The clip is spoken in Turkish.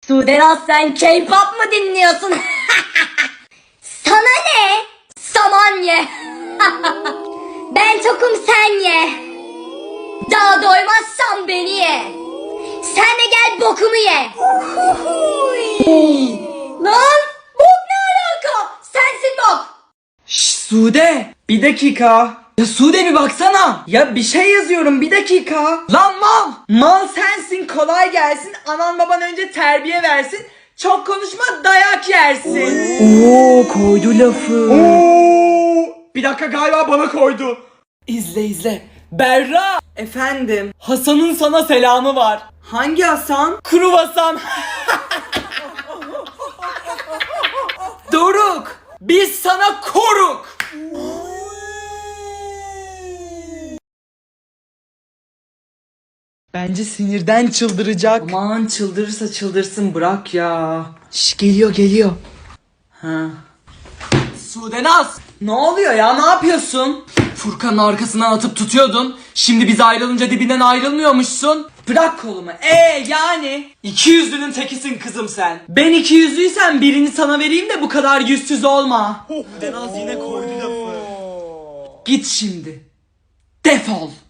Sudenaz sen K-pop mu dinliyorsun? Sana ne? Saman ye. Ben tokum sen ye. Daha doymazsan beni ye. Sen de gel bokumu ye. Lan bok ne alaka? Sensin bok. Şşş Sude, bir dakika. Ya Sude bir baksana. Ya bir şey yazıyorum, bir dakika. Lan mal. Mal sensin, kolay gelsin. Anan baban önce terbiye versin. Çok konuşma, dayak yersin. Oo, koydu lafı. Oo. Bir dakika, galiba bana koydu. İzle izle. Berra. Efendim. Hasan'ın sana selamı var. Hangi Hasan? Kuru Hasan. Doruk. Biz sana koruk. Bence sinirden çıldıracak. Aman çıldırırsa çıldırsın, bırak ya. Şş, geliyor. Ha. Sudenaz, ne oluyor ya, ne yapıyorsun? Furkan'ın arkasından atıp tutuyordun. Şimdi biz ayrılınca dibinden ayrılmıyormuşsun. Bırak kolumu. Yani? İkiyüzlünün tekisin kızım sen. Ben ikiyüzlüysem birini sana vereyim de bu kadar yüzsüz olma. Sudenaz yine koydu lafı. Git şimdi. Defol.